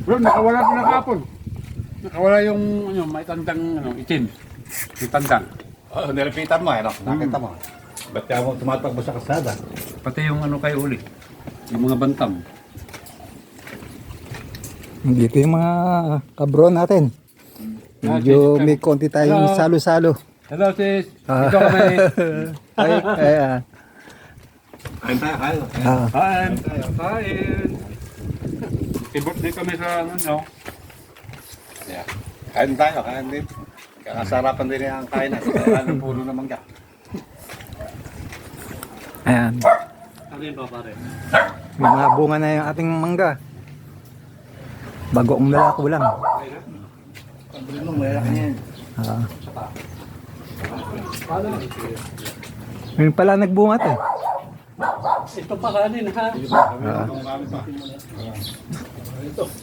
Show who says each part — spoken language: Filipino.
Speaker 1: Bro, nakawala din na kapon. Nakawala yung ano, may tandang ano, itim. May tandang.
Speaker 2: Oh, nirepitan mo, ano? Nakita mo. Ba't kaya mo tumatakbo sa kasada?
Speaker 1: Pati yung ano kay uli. Yung mga bantam.
Speaker 3: Dito yung mga kabro natin. Medyo may konti tayong
Speaker 1: Hello.
Speaker 3: salo-salo.
Speaker 1: Hello sis. Dito kami.
Speaker 2: Kain tayo, kain.
Speaker 1: Kain. Kain. Birthday kami sa ano.
Speaker 2: Yeah. Kain tayo, kain din. Kakasarapan din ang kainan. Kaya puro naman ka.
Speaker 3: Ayan.
Speaker 1: Ano yun ba pare?
Speaker 3: May mga bunga na yung ating mangga. Bagoong lalako lang.
Speaker 2: Pagbilin mo, mayroon yan.
Speaker 3: Ngayon pala nagbunga to.
Speaker 1: Ito pa kanin ha.